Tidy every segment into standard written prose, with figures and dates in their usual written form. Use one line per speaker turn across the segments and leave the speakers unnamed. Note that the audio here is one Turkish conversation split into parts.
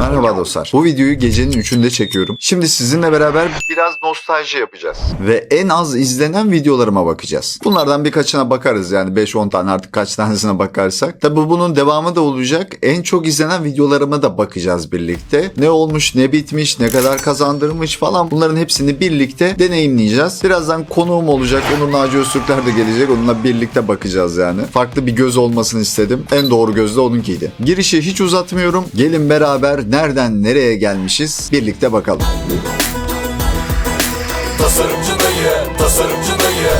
Merhaba dostlar. Bu videoyu gecenin 3'ünde çekiyorum. Şimdi sizinle beraber biraz nostalji yapacağız. Ve en az izlenen videolarıma bakacağız. Bunlardan birkaçına bakarız yani 5-10 tane artık kaç tanesine bakarsak. Tabi bunun devamı da olacak. En çok izlenen videolarıma da bakacağız birlikte. Ne olmuş, ne bitmiş, ne kadar kazandırmış falan bunların hepsini birlikte deneyimleyeceğiz. Birazdan konuğum olacak. Onur Naci Öztürkler de gelecek. Onunla birlikte bakacağız yani. Farklı bir göz olmasını istedim. En doğru göz de onunkiydi. Girişi hiç uzatmıyorum. Gelin beraber nereden nereye gelmişiz birlikte bakalım.
Tasarımcı dayı, tasarımcı dayı.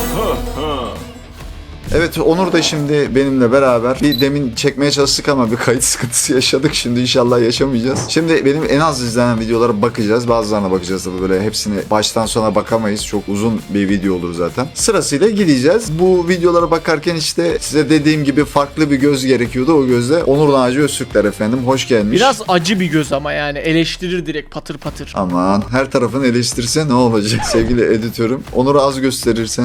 Evet, Onur da şimdi benimle beraber bir demin çekmeye çalıştık ama bir kayıt sıkıntısı yaşadık. Şimdi inşallah yaşamayacağız. Şimdi benim en az izlenen videolara bakacağız. Bazılarına bakacağız tabii, böyle hepsini baştan sona bakamayız. Çok uzun bir video olur zaten. Sırasıyla gideceğiz. Bu videolara bakarken işte size dediğim gibi farklı bir göz gerekiyordu. O gözde Onur Naci Öztürkler efendim. Hoş gelmiş.
Biraz acı bir göz ama yani eleştirir direkt patır patır.
Aman her tarafını eleştirse ne olacak sevgili editörüm. Onur'u az gösterirsen.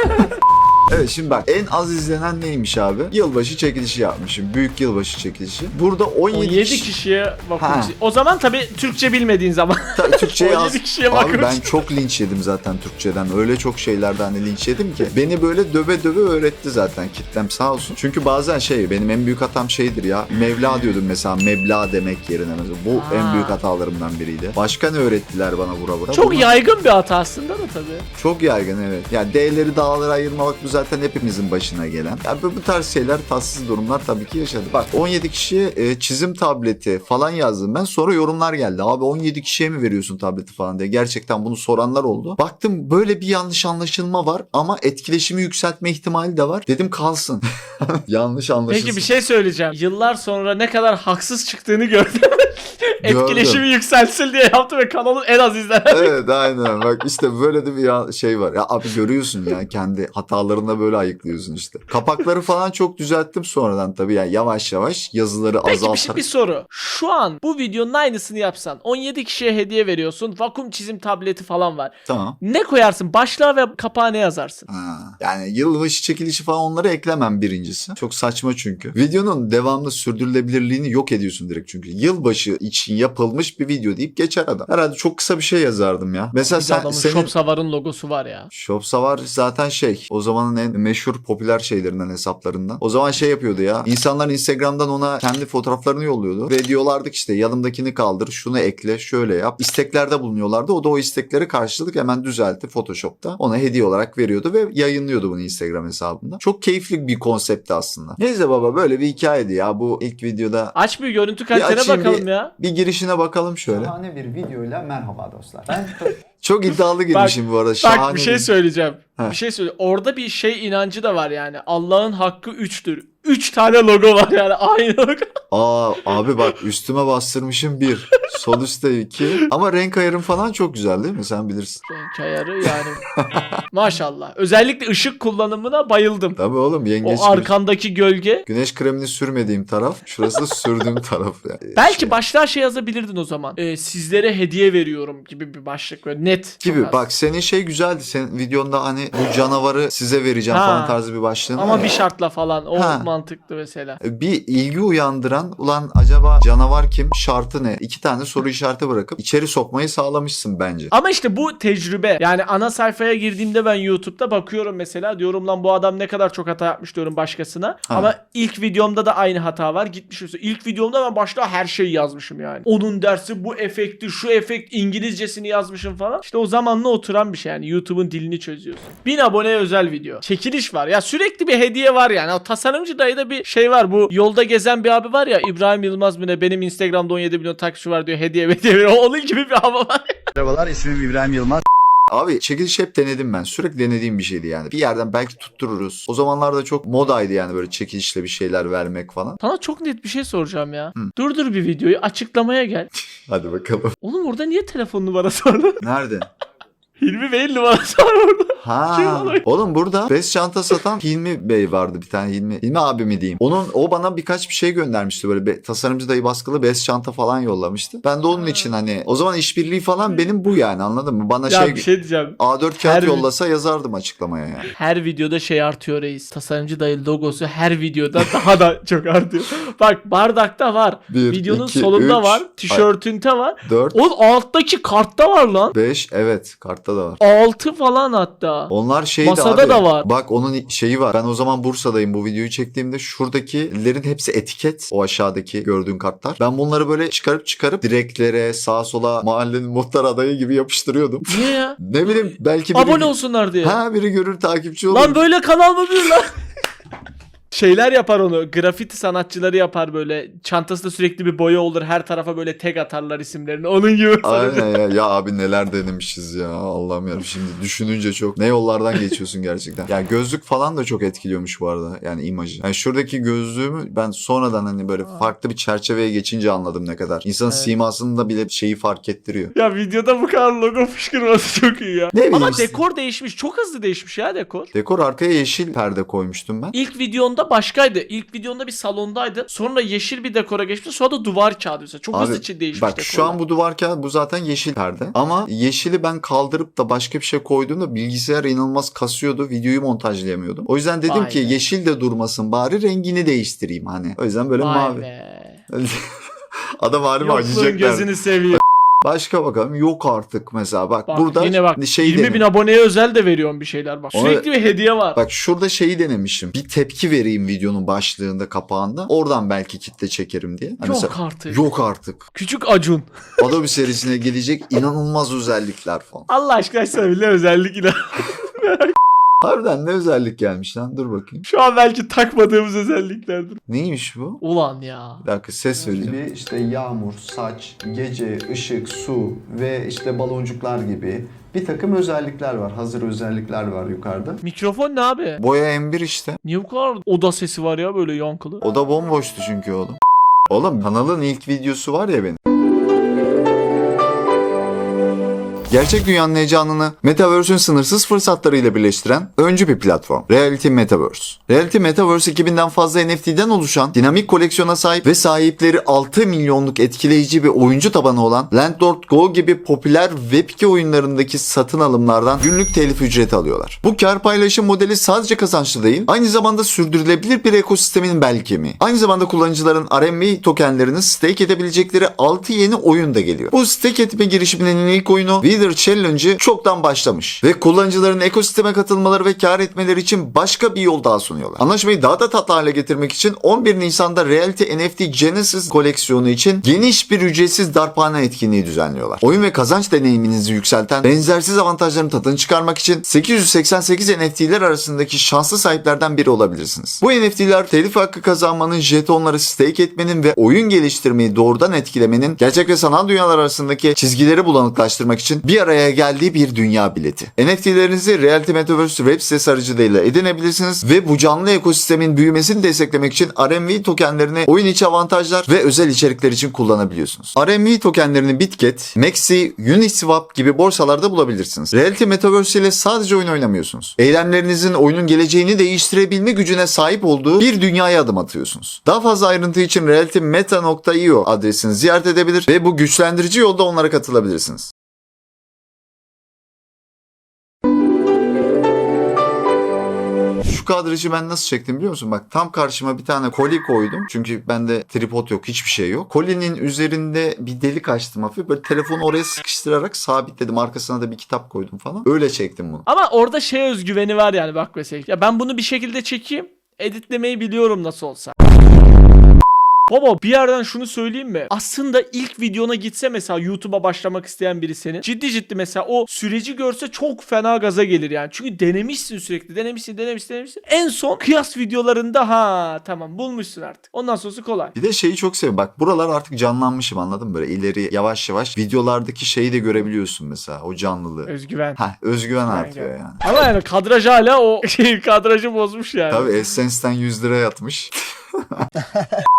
Evet, şimdi bak en az izlenen neymiş abi? Yılbaşı çekilişi yapmışım. Büyük yılbaşı çekilişi. Burada 17
kişiye bakmış.
Ha.
O zaman tabii Türkçe bilmediğin zaman.
Türkçe'ye
17 kişiye
Abi
bakmış.
ben çok linç yedim zaten Türkçeden. Öyle çok şeylerden hani linç yedim ki. Beni böyle döve döve öğretti zaten kitlem sağ olsun. Çünkü bazen benim en büyük hatam şeydir ya. Mevla diyordum mesela, meblağ demek yerine mesela. Bu en büyük hatalarımdan biriydi. Başka ne öğrettiler bana vura vura?
Çok
Bunu-
yaygın bir hata aslında da tabii.
Çok yaygın, evet. Yani D'leri dağlara ayırmak bu zaten hepimizin başına gelen. Yani bu tarz şeyler, tatsız durumlar tabii ki yaşadık. Bak 17 kişiye çizim tableti falan yazdım ben. Sonra yorumlar geldi. Abi 17 kişiye mi veriyorsun tableti falan diye. Gerçekten bunu soranlar oldu. Baktım böyle bir yanlış anlaşılma var ama etkileşimi yükseltme ihtimali de var. Dedim kalsın. Yanlış anlaşılsın.
Peki bir şey söyleyeceğim. Yıllar sonra ne kadar haksız çıktığını gördüm. Etkileşimi yükselsin diye yaptı ve kanalın en az izlenen.
Evet, aynen. Bak işte böyle de bir şey var. Ya abi görüyorsun ya, kendi hatalarını böyle ayıklıyorsun işte. Kapakları falan çok düzelttim sonradan tabii, yani yavaş yavaş yazıları
Peki
azaltarak.
bir soru. Şu an bu videonun aynısını yapsan 17 kişiye hediye veriyorsun. Vakum çizim tableti falan var.
Tamam.
Ne koyarsın? Başlığa ve kapağa ne yazarsın?
Ha, yani yılbaşı çekilişi falan onları eklemem birincisi. Çok saçma çünkü. Videonun devamlı sürdürülebilirliğini yok ediyorsun direkt çünkü. Yılbaşı için yapılmış bir video deyip geçer adam. Herhalde çok kısa bir şey yazardım ya. Mesela
Bir de adamın
senin...
Shop Savar'ın logosu var ya.
Shopsavar zaten o zamanın en meşhur popüler şeylerinden, hesaplarından. O zaman yapıyordu ya. İnsanlar Instagram'dan ona kendi fotoğraflarını yolluyordu. Ve diyorlardık işte yanımdakini kaldır, şunu ekle, şöyle yap. İsteklerde bulunuyorlardı. O da o istekleri karşılık hemen düzeltti Photoshop'ta. Ona hediye olarak veriyordu ve yayınlıyordu bunu Instagram hesabında. Çok keyifli bir konseptti aslında. Neyse baba, böyle bir hikayeydi ya bu ilk videoda.
Aç bir görüntü kalitene
açayım,
bakalım ya.
Bir girişine bakalım şöyle.
Şahane bir videoyla merhaba dostlar. Ben
Çok iddialı girmişim bu arada.
Bak
Şahane
bir şey söyleyeceğim.
Heh.
Bir şey söyle. Orada bir şey inancı da var yani. Allah'ın hakkı 3'tür. 3 tane logo var yani aynı logo.
Abi bak üstüme bastırmışım 1. Sol üstte 2. Ama renk ayarım falan çok güzel değil mi? Sen bilirsin.
Renk ayarı yani. Maşallah. Özellikle ışık kullanımına bayıldım.
Tabii oğlum, yengeç
O arkandaki gölge.
güneş kremini sürmediğim taraf. Şurası da sürdüğüm taraf. Yani.
Belki başlığa yazabilirdin o zaman. Sizlere hediye veriyorum gibi bir başlık böyle net.
Gibi
Çok az.
bak, senin güzeldi. Senin videonda hani bu canavarı size vereceğim
Ha.
falan tarzı bir başlığın var
Ama
ya.
bir şartla falan. O
Ha.
mantıklı mesela.
Bir ilgi uyandıran, ulan acaba canavar kim, şartı ne? 2 tane soru işareti bırakıp içeri sokmayı sağlamışsın bence.
Ama işte bu tecrübe. Yani ana sayfaya girdiğimde ben YouTube'da bakıyorum mesela. Diyorum lan bu adam ne kadar çok hata yapmış diyorum başkasına.
Ha.
Ama ilk videomda da aynı hata var. Gitmiş mesela. İlk videomda ben başta her şeyi yazmışım yani. Onun dersi bu efekti, şu efekt İngilizcesini yazmışım falan. İşte o zamanla oturan bir şey yani. YouTube'un dilini çözüyorsun. 1000 aboneye özel video. Çekiliş var. Ya sürekli bir hediye var yani. O tasarımcı dayıda bir şey var. Bu yolda gezen bir abi var ya. İbrahim Yılmaz mı ne? Benim Instagram'da 17 milyon takipçi var diyor. Hediye veriyor. Onun gibi bir hava var.
Merhabalar, ismim İbrahim Yılmaz.
Abi çekiliş hep denedim ben. Sürekli denediğim bir şeydi yani. Bir yerden belki tuttururuz. O zamanlarda çok modaydı yani böyle çekilişle bir şeyler vermek falan.
Sana çok net bir şey soracağım ya. Durdur bir videoyu. Açıklamaya gel.
Hadi bakalım.
Oğlum orada niye telefon numarası var?
Nerede?
Hilmi Bey'in numarası var orada. Kim
Ha.
alıyor?
Oğlum burada bez çanta satan Hilmi Bey vardı bir tane Hilmi abi mi diyeyim. O bana birkaç bir şey göndermişti böyle tasarımcı dayı baskılı bez çanta falan yollamıştı. Ben de onun için hani o zaman işbirliği falan benim bu yani anladın mı? Bana
Ya bir şey diyeceğim.
A4 kağıt
Her-
yollasa yazardım açıklamaya yani.
Her videoda şey artıyor reis. Tasarımcı dayı logosu her videoda daha da çok artıyor. Bak bardakta var.
Bir,
Videonun
iki,
solunda
üç,
var. Tişörtünte var.
4,
O alttaki kartta var lan.
5 evet kartta da var.
6 falan hatta.
Onlar şeydi
Masada
abi.
da var.
Bak onun şeyi var. Ben o zaman Bursa'dayım bu videoyu çektiğimde şuradakilerin hepsi etiket. O aşağıdaki gördüğün kartlar. Ben bunları böyle çıkarıp direklere sağa sola mahallenin muhtar adayı gibi yapıştırıyordum.
Niye ya?
Ne bileyim belki biri...
Abone olsunlar diye.
Ha biri görür takipçi olur.
Lan böyle kanal mı bir lan? Şeyler yapar onu. Grafiti sanatçıları yapar böyle. Çantasında sürekli bir boya olur. Her tarafa böyle tag atarlar isimlerini. Onun gibi.
Aynen ya. Ya abi neler denemişiz ya. Allah'ım ya. Şimdi düşününce çok. Ne yollardan geçiyorsun gerçekten. Ya gözlük falan da çok etkiliyormuş bu arada. Yani imajı. Yani şuradaki gözlüğümü ben sonradan hani böyle farklı bir çerçeveye geçince anladım ne kadar. İnsanın
Evet.
simasında bile şeyi fark ettiriyor.
Ya videoda bu kadar logo fışkırması çok iyi ya.
Ne bileyim
Ama
işte.
dekor değişmiş. Çok hızlı değişmiş ya dekor.
Dekor arkaya yeşil perde koymuştum ben.
İlk videonda başkaydı. İlk videonda bir salondaydı. Sonra yeşil bir dekora geçti. Sonra da duvar kağıdı mesela. Çok hızlı değişmiş
bak
dekorlar.
şu an bu duvar kağıdı bu zaten yeşil perde. Ama yeşili ben kaldırıp da başka bir şey koyduğumda bilgisayar inanılmaz kasıyordu. Videoyu montajlayamıyordum. O yüzden dedim
Vay
ki
be.
yeşil de durmasın bari rengini değiştireyim hani. O yüzden böyle
Vay
mavi.
be.
Adam halime
Yokluğun
acıyacaklar.
gözünü seviyor.
Başka bakalım yok artık mesela bak,
Bak
burada
yine bak
şey
20 bin
deneyim.
aboneye özel de veriyorum bir şeyler bak.
Ona-
Sürekli bir hediye var.
Bak şurada şeyi denemişim. Bir tepki vereyim videonun başlığında kapağında. Oradan belki kitle çekerim diye. Hani
Yok
mesela,
artık.
yok artık.
Küçük Acun.
Adobe serisine gelecek inanılmaz özellikler falan.
Allah aşkına sana bile özellik ilan.
Harbiden ne özellik gelmiş lan? Dur bakayım.
Şu an belki takmadığımız özelliklerdir.
Neymiş bu?
Ulan ya.
Bir dakika ses vereceğim.
gibi işte yağmur, saç, gece, ışık, su ve işte baloncuklar gibi bir takım özellikler var. Hazır özellikler var yukarıda.
Mikrofon ne abi?
Boya M1 işte.
Niye bu kadar oda sesi var ya böyle yankılı?
O da bomboştu çünkü oğlum. Oğlum kanalın ilk videosu var ya benim. Gerçek dünyanın heyecanını Metaverse'ün sınırsız fırsatlarıyla birleştiren öncü bir platform. Reality Metaverse. Reality Metaverse 2000'den fazla NFT'den oluşan dinamik koleksiyona sahip ve sahipleri 6 milyonluk etkileyici bir oyuncu tabanı olan Landlord Go gibi popüler Web2 oyunlarındaki satın alımlardan günlük telif ücreti alıyorlar. Bu kar paylaşım modeli sadece kazançlı değil, aynı zamanda sürdürülebilir bir ekosistemin bel kemiği. Aynı zamanda kullanıcıların RMB tokenlerini stake edebilecekleri 6 yeni oyun da geliyor. Bu stake etme girişiminin ilk oyunu Wither Challenge'ı çoktan başlamış ve kullanıcıların ekosisteme katılmaları ve kar etmeleri için başka bir yol daha sunuyorlar. Anlaşmayı daha da tatlı hale getirmek için 11 Nisan'da Reality NFT Genesis koleksiyonu için geniş bir ücretsiz darphane etkinliği düzenliyorlar. Oyun ve kazanç deneyiminizi yükselten benzersiz avantajların tadını çıkarmak için 888 NFT'ler arasındaki şanslı sahiplerden biri olabilirsiniz. Bu NFT'ler telif hakkı kazanmanın, jetonları stake etmenin ve oyun geliştirmeyi doğrudan etkilemenin gerçek ve sanal dünyalar arasındaki çizgileri bulanıklaştırmak için bir araya geldiği bir dünya bileti. NFT'lerinizi Reality Metaverse web sitesi aracılığıyla edinebilirsiniz ve bu canlı ekosistemin büyümesini desteklemek için RMV tokenlerini oyun içi avantajlar ve özel içerikler için kullanabiliyorsunuz. RMV tokenlerini Bitget, Maxi, Uniswap gibi borsalarda bulabilirsiniz. Reality Metaverse ile sadece oyun oynamıyorsunuz. Eylemlerinizin oyunun geleceğini değiştirebilme gücüne sahip olduğu bir dünyaya adım atıyorsunuz. Daha fazla ayrıntı için realitymeta.io adresini ziyaret edebilir ve bu güçlendirici yolda onlara katılabilirsiniz. Şu kadrajı ben nasıl çektim biliyor musun? Bak tam karşıma bir tane koli koydum. Çünkü bende tripod yok, hiçbir şey yok. Kolinin üzerinde bir delik açtım hafif. Böyle telefonu oraya sıkıştırarak sabitledim. Arkasına da bir kitap koydum falan. Öyle çektim bunu.
Ama orada şey özgüveni var yani bak mesela. Ya ben bunu bir şekilde çekeyim. Editlemeyi biliyorum nasıl olsa. Baba bir yerden şunu söyleyeyim mi? Aslında ilk videona gitse mesela YouTube'a başlamak isteyen biri senin. Ciddi mesela o süreci görse çok fena gaza gelir yani. Çünkü denemişsin sürekli. Denemişsin. En son kıyas videolarında tamam bulmuşsun artık. Ondan sonrası kolay.
Bir de şeyi çok seviyorum. Bak buralar artık canlanmışım anladın mı? Böyle ileri yavaş yavaş videolardaki şeyi de görebiliyorsun mesela. O canlılığı.
Özgüven.
Özgüven artıyor yani.
Ama yani kadraj hala o kadrajı bozmuş yani.
Tabii Essence'den 100 lira yatmış.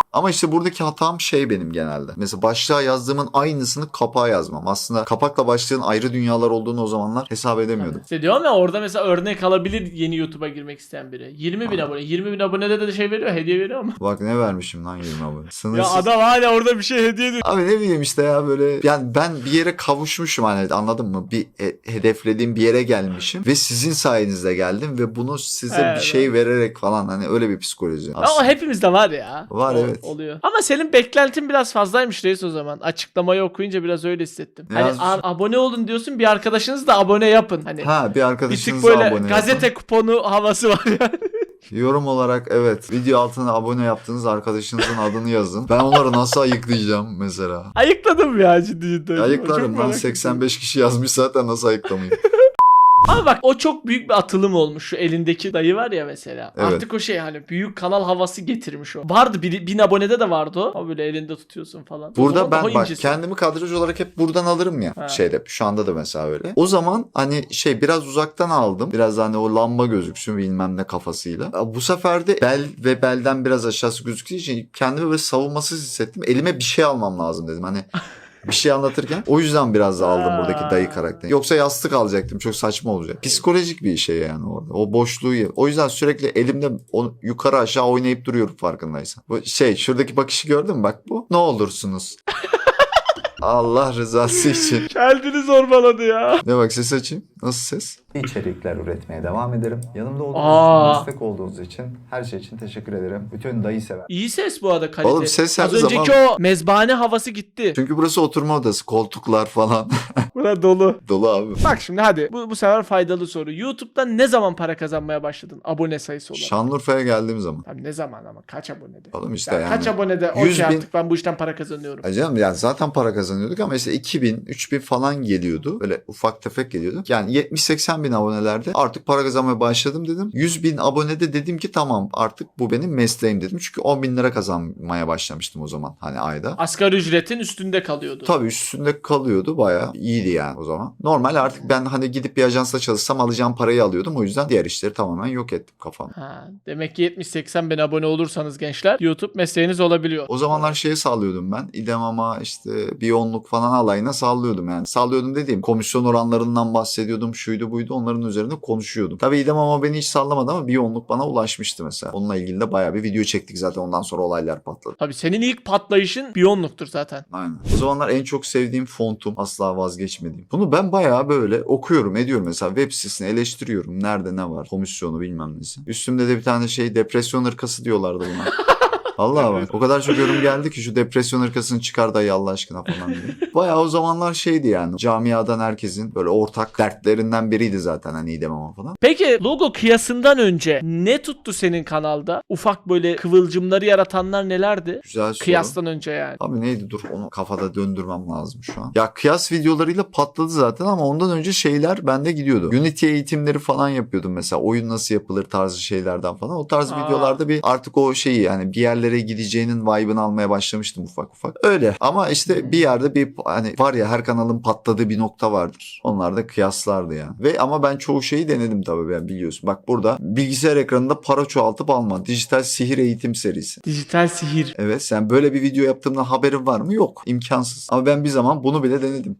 Ama işte buradaki hatam şey benim genelde. Mesela başlığa yazdığımın aynısını kapağa yazmam. Aslında kapakla başlığın ayrı dünyalar olduğunu o zamanlar hesap edemiyordum.
İşte diyorum ya, orada mesela örnek alabilir yeni YouTube'a girmek isteyen biri. 20 bin abone. 20 bin abonede de şey veriyor, hediye veriyor ama.
Bak ne vermişim lan 20 abone.
Ya
Sınırsız.
adam hala orada bir şey hediye ediyor.
Abi ne bileyim işte ya böyle. Yani ben bir yere kavuşmuşum hani, anladın mı? Bir hedeflediğim bir yere gelmişim. Ve sizin sayenizde geldim ve bunu size
Evet.
bir şey vererek falan, hani öyle bir psikoloji.
Ama
aslında.
hepimizde var ya.
Var, evet.
Oluyor. Ama senin beklentin biraz fazlaymış reis o zaman. Açıklamayı okuyunca biraz öyle hissettim. Hani
Yaz-
abone olun diyorsun, bir arkadaşınız da abone yapın. Hani
Ha, bir
bir tık
arkadaşınıza
böyle
abone
gazete
yapın.
kuponu havası var yani.
Yorum olarak evet. Video altına abone yaptığınız arkadaşınızın adını yazın. Ben onları nasıl ayıklayacağım mesela?
Ayıkladım ya ciddi.
Ayıklarım
Çok
lan,
merak
85 kişi yazmış zaten, nasıl ayıklamayayım?
Ama bak, o çok büyük bir atılım olmuş. Şu elindeki dayı var ya mesela.
Evet.
Artık o şey, hani büyük kanal havası getirmiş o. Vardı 1000 abonede de vardı o. Ama böyle elinde tutuyorsun falan. O
Burada
zaman
ben
daha
bak
incesi.
kendimi kadraj olarak hep buradan alırım ya.
Ha.
Şeyde şu anda da mesela öyle. O zaman hani şey biraz uzaktan aldım. Biraz hani o lamba gözüksün bilmem ne kafasıyla. Bu sefer de bel ve belden biraz aşağısı gözüktüğü için kendimi böyle savunmasız hissettim. Elime bir şey almam lazım dedim. Hani bir şey anlatırken. O yüzden biraz da aldım buradaki dayı karakteri. Yoksa yastık alacaktım. Çok saçma olacak. Psikolojik bir şey yani orada. O boşluğu. O yüzden sürekli elimde onu yukarı aşağı oynayıp duruyorum farkındaysan. Bu şey, şuradaki bakışı gördün mü? Bak bu. Ne olursunuz. Allah rızası için.
Kendini zorbaladı ya.
Ne bak, ses açayım. Nasıl ses?
içerikler üretmeye devam ederim. Yanımda olduğunuz
Aa.
için, destek olduğunuz için, her şey için teşekkür ederim. Bütün dayı sever.
İyi ses bu arada, kalite.
Oğlum ses her
Az önceki
zaman-
o mezbahane havası gitti.
Çünkü burası oturma odası. Koltuklar falan.
Bura dolu.
Dolu abi.
Bak şimdi hadi. Bu sefer faydalı soru. YouTube'dan ne zaman para kazanmaya başladın? Abone sayısı olarak.
Şanlıurfa'ya geldiğim zaman.
Abi ne zaman ama? Kaç abonede?
Oğlum işte
Ya
yani.
kaç abonede?
100
Okey,
bin-
artık ben bu işten para kazanıyorum.
Acaba yani zaten para kazanıyorduk ama işte 2000, 3000 falan geliyordu. Böyle ufak tefek geliyordu. Yani 70-80 bin abonelerde artık para kazanmaya başladım dedim. 100 bin abonede dedim ki tamam, artık bu benim mesleğim dedim. Çünkü 10 bin lira kazanmaya başlamıştım o zaman hani ayda.
Asgari ücretin üstünde kalıyordu.
Tabii üstünde kalıyordu, bayağı iyiydi yani o zaman. Normal artık ben hani gidip bir ajansta çalışsam alacağım parayı alıyordum. O yüzden diğer işleri tamamen yok ettim kafamda.
Ha, demek ki 70-80 bin abone olursanız gençler, YouTube mesleğiniz olabiliyor.
O zamanlar şeye sallıyordum ben. İdemama işte bir onluk falan alayına sallıyordum yani. Sallıyordum dediğim komisyon oranlarından bahsediyordum. Şuydu buydu, onların üzerine konuşuyordum. Tabii İdemama beni hiç sallamadı ama bir onluk bana ulaşmıştı mesela. Onunla ilgili de bayağı bir video çektik zaten, ondan sonra olaylar patladı.
Tabii senin ilk patlayışın Biyonluk'tur zaten.
Aynen. O zamanlar en çok sevdiğim fontum, asla vazgeçmediğim. Bunu ben bayağı böyle okuyorum ediyorum mesela, web sitesini eleştiriyorum. Nerede ne var, komisyonu bilmem nesi. Üstümde de bir tane şey, depresyon hırkası diyorlardı buna. Vallahi bak o kadar çok yorum geldi ki şu depresyon hırkasını çıkar dayı Allah aşkına falan diye. Bayağı o zamanlar şeydi yani, camiadan herkesin böyle ortak dertlerinden biriydi zaten hani İdemama falan.
Peki logo kıyasından önce ne tuttu senin kanalda? Ufak böyle kıvılcımları yaratanlar nelerdi?
Güzel soru.
Kıyastan önce yani.
Abi neydi, dur onu kafada döndürmem lazım şu an. Ya kıyas videolarıyla patladı zaten ama ondan önce şeyler bende gidiyordu. Unity eğitimleri falan yapıyordum mesela. Oyun nasıl yapılır tarzı şeylerden falan. O tarz videolarda bir artık o şeyi yani bir yerlere gideceğinin vibe'ını almaya başlamıştım ufak ufak. Öyle ama işte bir yerde bir hani var ya, her kanalın patladığı bir nokta vardır. Onlar da kıyaslardı yani. Ve ama ben çoğu şeyi denedim tabii, ben biliyorsun. Bak burada bilgisayar ekranında para çoğaltıp alma. Dijital sihir eğitim serisi.
Dijital sihir.
Evet, sen böyle bir video yaptığımdan haberin var mı? Yok. İmkansız. Ama ben bir zaman bunu bile denedim.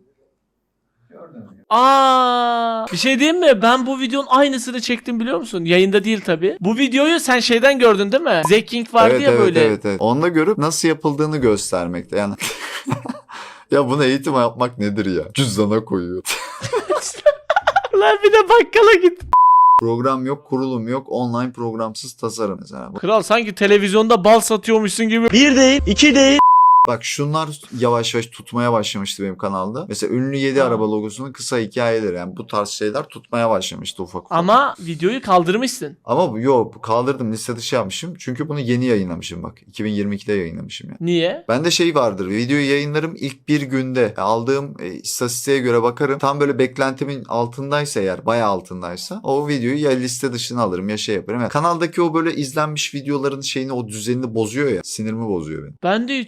Aa, bir şey diyeyim mi? Ben bu videonun aynısını çektim, biliyor musun? Yayında değil tabii. Bu videoyu sen şeyden gördün değil mi? Zeking vardı
Evet,
ya
evet,
böyle.
evet. Onunla görüp nasıl yapıldığını göstermekte. Yani ya bunu eğitim yapmak nedir ya? Cüzdana koyuyor.
Lan bir de bakkala git.
Program yok, kurulum yok. Online programsız tasarım mesela.
Kral sanki televizyonda bal satıyormuşsun gibi.
Bir değil, iki değil.
Bak şunlar yavaş yavaş tutmaya başlamıştı benim kanalda. Mesela ünlü 7
Ha.
araba logosunun kısa hikayeleri. Yani bu tarz şeyler tutmaya başlamıştı ufak ufak.
Ama videoyu kaldırmışsın.
Ama yok, kaldırdım, liste dışı yapmışım. Çünkü bunu yeni yayınlamışım bak. 2022'de yayınlamışım yani.
Niye?
Bende şey vardır. Videoyu yayınlarım ilk bir günde. Aldığım istatistiğe göre bakarım. Tam böyle beklentimin altındaysa eğer, bayağı altındaysa o videoyu ya liste dışına alırım ya şey yaparım. Yani kanaldaki o böyle izlenmiş videoların şeyini, o düzenini bozuyor ya. Sinirimi bozuyor benim.
Bende hiç olmadı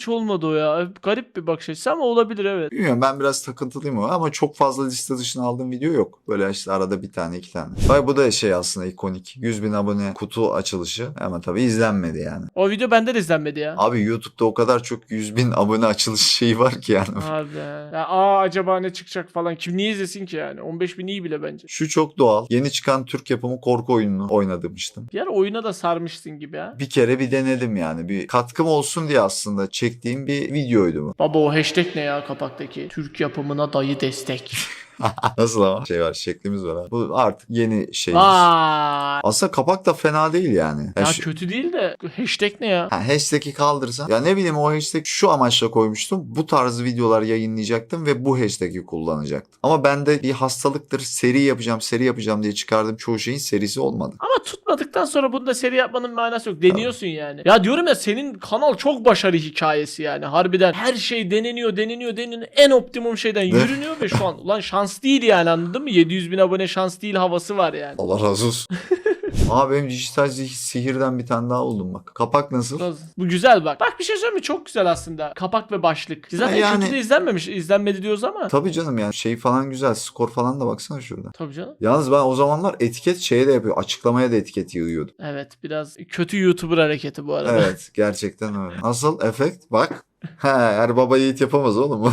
o ya. Garip bir bakış açısı ama olabilir, evet.
Bilmiyorum, ben biraz takıntılıyım ama çok fazla liste dışına aldığım video yok. Böyle işte arada bir tane 2 tane. Bak bu da şey aslında ikonik. 100.000 abone kutu açılışı ama tabii izlenmedi yani.
O video bende de izlenmedi ya.
Abi YouTube'da o kadar çok 100.000 abone açılış şeyi var ki yani.
Abi ya, acaba ne çıkacak falan. Kim niye izlesin ki yani? 15.000 iyi bile bence.
Şu çok doğal. Yeni çıkan Türk yapımı korku oyununu oynamıştım.
Bir ara oyuna da sarmışsın gibi ha.
Bir kere bir denedim yani. Bir katkım olsun diye aslında çektiğim bir videoydu bu.
Baba o hashtag ne ya kapaktaki? Türk yapımına dayı destek.
Nasıl ama? Şey var, şeklimiz var abi. Bu artık yeni şeyimiz.
Vay.
Aslında kapak da fena değil yani.
Ya
Yani
kötü değil de hashtag ne ya?
hashtag'i kaldırsan. Ya ne bileyim, o hashtag şu amaçla koymuştum. Bu tarz videolar yayınlayacaktım ve bu hashtag'i kullanacaktım. Ama bende bir hastalıktır. Seri yapacağım diye çıkardığım çoğu şeyin serisi olmadı.
Ama tutmadıktan sonra bunu da seri yapmanın manası yok. Deniyorsun yani. Ya diyorum ya, senin kanal çok başarı hikayesi yani. Harbiden her şey deneniyor. En optimum şeyden yürünüyor ve şu an ulan şans değil yani, anladın mı? 700.000 abone şans değil havası var yani.
Allah razı olsun. Aa, benim dijital sihirden bir tane daha oldum bak. Kapak nasıl?
Bu güzel bak. Bak bir şey söyleyeyim mi? Çok güzel aslında. Kapak ve başlık. Zaten
Yani-
kötü de izlenmedi diyoruz ama.
Tabii canım, yani şey falan güzel. Skor falan da baksana şurada.
Tabii canım.
Yalnız ben o zamanlar etiket şeye de yapıyor. Açıklamaya da etiket yığıyordum.
Evet, biraz kötü YouTuber hareketi bu arada.
Evet, gerçekten öyle. Nasıl efekt? Bak. Her baba yiğit yapamaz oğlum.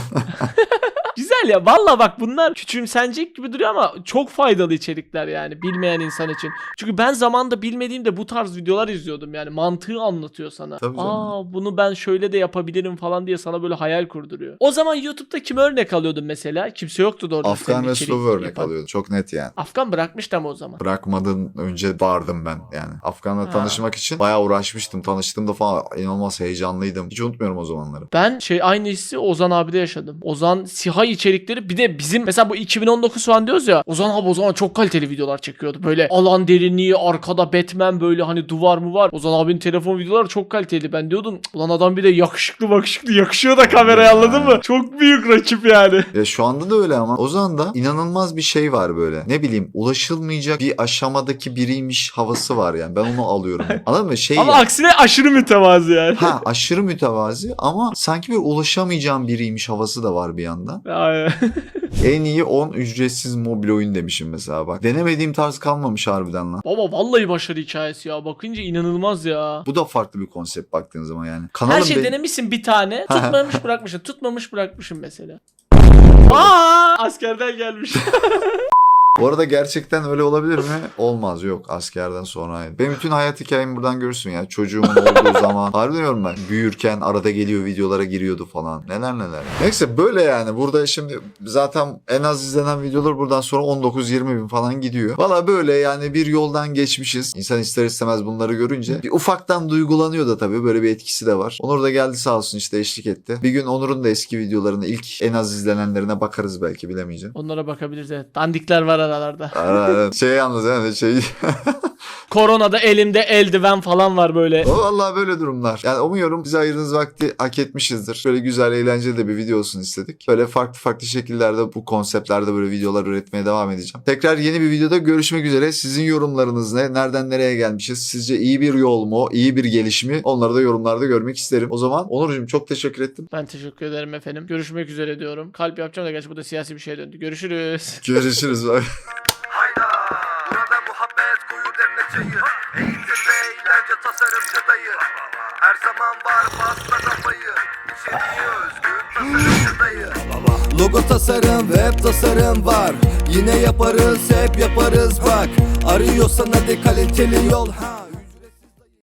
Güzel ya. Valla bak, bunlar küçümsenecek gibi duruyor ama çok faydalı içerikler yani bilmeyen insan için. Çünkü ben zamanında bilmediğimde bu tarz videolar izliyordum yani. Mantığı anlatıyor sana.
Tabii canım.
Bunu ben şöyle de yapabilirim falan diye sana böyle hayal kurduruyor. O zaman YouTube'da kime örnek alıyordun mesela? Kimse yoktu da orada.
Afgan
senin
ve
içerik
Slow örnek
yapan.
alıyordu. Çok net yani.
Afgan bırakmıştı ama o zaman.
Bırakmadan önce vardım ben yani. Afgan'la
Ha.
tanışmak için bayağı uğraşmıştım. Tanıştığımda falan inanılmaz heyecanlıydım. Hiç unutmuyorum o zamanları.
Ben aynı hissi Ozan abide yaşadım. Ozan SİHA içerikleri, bir de bizim mesela bu 2019 falan diyoruz ya. Ozan abi o zaman çok kaliteli videolar çekiyordu. Böyle alan derinliği, arkada Batman, böyle hani duvar mı var. Ozan abinin telefon videoları çok kaliteli. Ben diyordum ulan adam bir de yakışıklı yakışıyor da kameraya, anladın mı? Çok büyük rakip yani.
Ya şu anda da öyle ama o zaman da inanılmaz bir şey var böyle. Ne bileyim, ulaşılmayacak bir aşamadaki biriymiş havası var yani. Ben onu alıyorum. Anladın mı? Şey
Ama
ya.
aksine aşırı mütevazı yani.
Ha, aşırı mütevazi ama sanki bir ulaşamayacağım biriymiş havası da var bir yandan.
Aynen.
En iyi 10 ücretsiz mobil oyun demişim mesela bak. Denemediğim tarz kalmamış harbiden lan.
Baba vallahi başarı hikayesi ya. Bakınca inanılmaz ya.
Bu da farklı bir konsept baktığın zaman yani.
Her
Kanalın
şey
be-
denemişsin bir tane.
Ha.
Tutmamış bırakmışsın. Tutmamış bırakmışım mesela. Askerden gelmiş.
Bu arada gerçekten öyle olabilir mi? Olmaz, yok, askerden sonra. Benim bütün hayat hikayemi buradan görürsün ya. Çocuğumun olduğu zaman. Harbiden diyorum ben. Büyürken arada geliyor videolara giriyordu falan. Neler. Neyse böyle yani. Burada şimdi zaten en az izlenen videolar buradan sonra 19-20 bin falan gidiyor. Valla böyle yani, bir yoldan geçmişiz. İnsan ister istemez bunları görünce bir ufaktan duygulanıyor da tabii. Böyle bir etkisi de var. Onur da geldi sağ olsun, işte eşlik etti. Bir gün Onur'un da eski videolarını, ilk en az izlenenlerine bakarız belki, bilemeyeceğim.
Onlara bakabiliriz, evet. Dandikler var aralarda.
Şey yalnız yani şey...
Koronada elimde eldiven falan var böyle.
O vallahi böyle durumlar. Yani umuyorum bize ayırdığınız vakti hak etmişizdir. Böyle güzel, eğlenceli de bir video olsun istedik. Böyle farklı şekillerde, bu konseptlerde böyle videolar üretmeye devam edeceğim. Tekrar yeni bir videoda görüşmek üzere. Sizin yorumlarınız ne? Nereden nereye gelmişiz? Sizce iyi bir yol mu? İyi bir geliş mi? Onları da yorumlarda görmek isterim. O zaman Onurcuğum çok teşekkür ettim.
Ben teşekkür ederim efendim. Görüşmek üzere diyorum. Kalp yapacağım da gerçi bu da siyasi bir şeye döndü. Görüşürüz.
Görüşürüz.
Hayda, burada muhabbet koyu demle çayı. Eğitim ve eğlence tasarımcı dayı. Her zaman var pasta kafayı. İçeriği özgün tasarımcı dayı. Logo tasarım, web tasarım var. Yine yaparız, hep yaparız bak. Arıyorsan hadi kaliteli yol.